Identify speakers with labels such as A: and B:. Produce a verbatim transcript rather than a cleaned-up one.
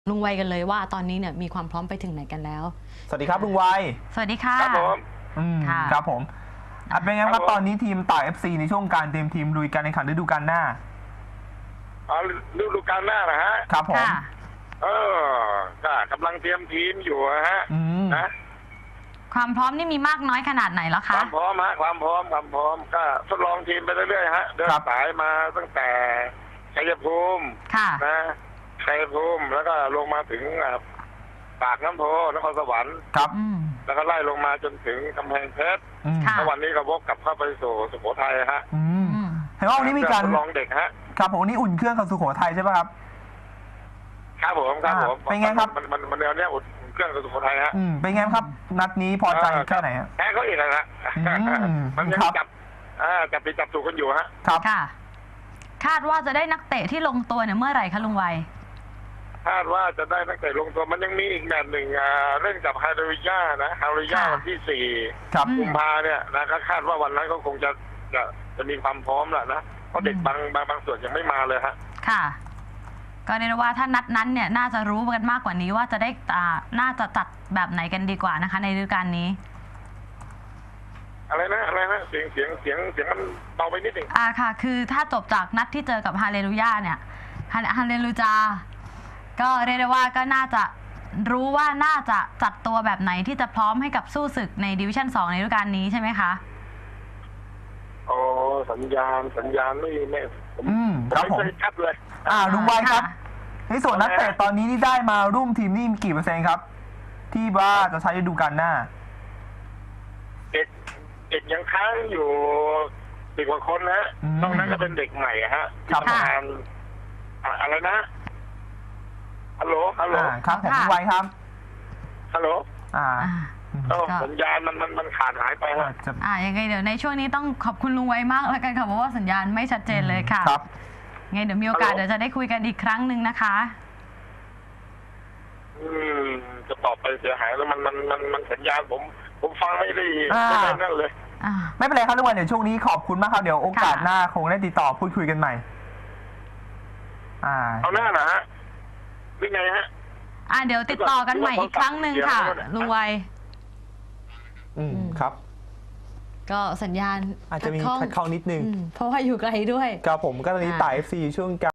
A: ลุงไวกันเลยว่าตอนนี้เนี่ยมีความพร้อมไปถึงไหนกันแล้ว
B: สวัสดีครับลุงไว
A: สวัสดีค่ะ
C: ครับผม
B: อืมครับผมอ่ะเป็นไงครับตอนนี้ทีมต่าย เอฟ ซี ในช่วงการเตรียมทีมลุยการแข่งขันฤดูกาลหน้า
C: อ๋อฤดูกาลหน้านะฮะ
B: ครับผม
C: เออก็กำลังเตรียมทีมอยู่ฮะนะ
A: ความพร้อมนี่มีมากน้อยขนาดไหนแล้วคะ
C: ความพร้อมฮะความพร้อมความพร้อมก็ทดลองทีมไปเรื่อยๆฮะเดินสายมาตั้งแต่ชัยภูมินะชัยภูมิแล้วก็ลงมาถึงปากน้ำโพนครสวรรค์
B: ครับ
C: แล้วก็ไล่ลงมาจนถึงกำแพงเพชรแล้ววันนี้ก็วกกลับเข้าไปสู่สุโขทัยฮะ
B: เห็นว่าวันนี้มีการ
C: ทดลองเด็กฮะ
B: ครับผมวันนี้อุ่นเครื่องกับสุโขทัยใช่ไหมครับ
C: ครับผมครับผม
B: เป็นไงครับ
C: มันมันมันแนวเนี้ยอุ่นเครื่องกับสุโขทัยฮะ
B: เป็นไงครับนัดนี้พอใจแค่ไหนฮะ
C: แพ้เขาอีกนะฮะมันยังจับอ่าจับไปจับถูกกันอยู่ฮะ
B: ครับ
A: ค่ะคาดว่าจะได้นักเตะที่ลงตัวเนี่ยเมื่อไหร่คะลุงไว
C: คาดว่าจะได้นักเตะลงตัวมันยังมีอีกแมตช์หนึ่งเรื่องกับฮาริยานะฮาริยาวันที่สี่กุมภาเนี่ยนะก็คาดว่าวันนั้นก็คงจะจะจะมีความพร้อมแหละนะเพราะเด็กบางบางบางส่วนยังไม่มาเลยฮะ
A: ค่ะก็เรียกว่าถ้านัดนั้นเนี่ยน่าจะรู้กันมากกว่านี้ว่าจะได้อ่าน่าจะจัดแบบไหนกันดีกว่านะคะในฤดูกาลนี้
C: อะไรนะอะไรนะเสียงเสียงเสียงเสียงมันเบาไปนิดหนึ่ง
A: อ่าค่ะคือถ้าจบจากนัดที่เจอกับฮาเลลูยาเนี่ยฮาเลลูจาก็เรียกได้ว่าก็น่าจะรู้ว่าน่าจะจัดตัวแบบไหนที่จะพร้อมให้กับสู้ศึกในดิวิชั่นสองในฤดูกาลนี้ใช่ไหมคะ
C: โอ้สัญญาณสัญญาณไม่ไม่
B: อืมครับผม
C: ชัดเลย
B: อ่าลุงไวครับในส่วนนักเตะตอนนี้ที่ได้มาร่วมทีมนี่มีกี่เปอร์เซ็นต์ครับที่ว่าจะใช้ฤดูกาลหน้า
C: เด็กเด็กยังค้างอยู่สิบกว่าคนนะนอกนั้นก็เป็นเด็กใหม่ฮะ
B: ครับ
C: อะไรนะฮัลโหลฮัลโหล
B: ครับผมลุงไวครับ
C: ฮัลโหล
B: อ่า
C: สัญญาณมันมันมันขาดหายไปฮะ
A: อ่ายังไงเดี๋ยวในช่วงนี้ต้องขอบคุณลุงไวมากแล้วกันค่ะเพราะว่าสัญญาณไม่ชัดเจนเลยค่ะ
B: ครับ
A: ไงเดี๋ยวมีโอกาสเดี๋ยวจะได้คุยกันอีกครั้งหนึ่งนะคะ
C: อืมจะตอบไปเสียหายแล้วมันมันมันมันสัญญาณผมผมฟังไม่ได้ไม่ได้นั่นเลย
B: ไม่เป็นไรครับลุงไวเดี๋ยวช่วงนี้ขอบคุณมากครับเดี๋ยวโอกาสหน้าคงได้ติดต่อพูดคุยกันใหม่
C: อ่าเอาหน้านะฮะหรือไงฮะ
A: อ่าเดี๋ยวติดต่อกันใหม่อีกครั้งหนึ่งค่ะลุงไว
B: อืมครับ
A: ก็สัญญาณ
B: อาจจะมีขัดข้องนิดนึง
A: เพราะว่าอยู่ไกลด้วย
B: ครับผมก็ตอนนี้ต่าย เอฟ ซี ช่วง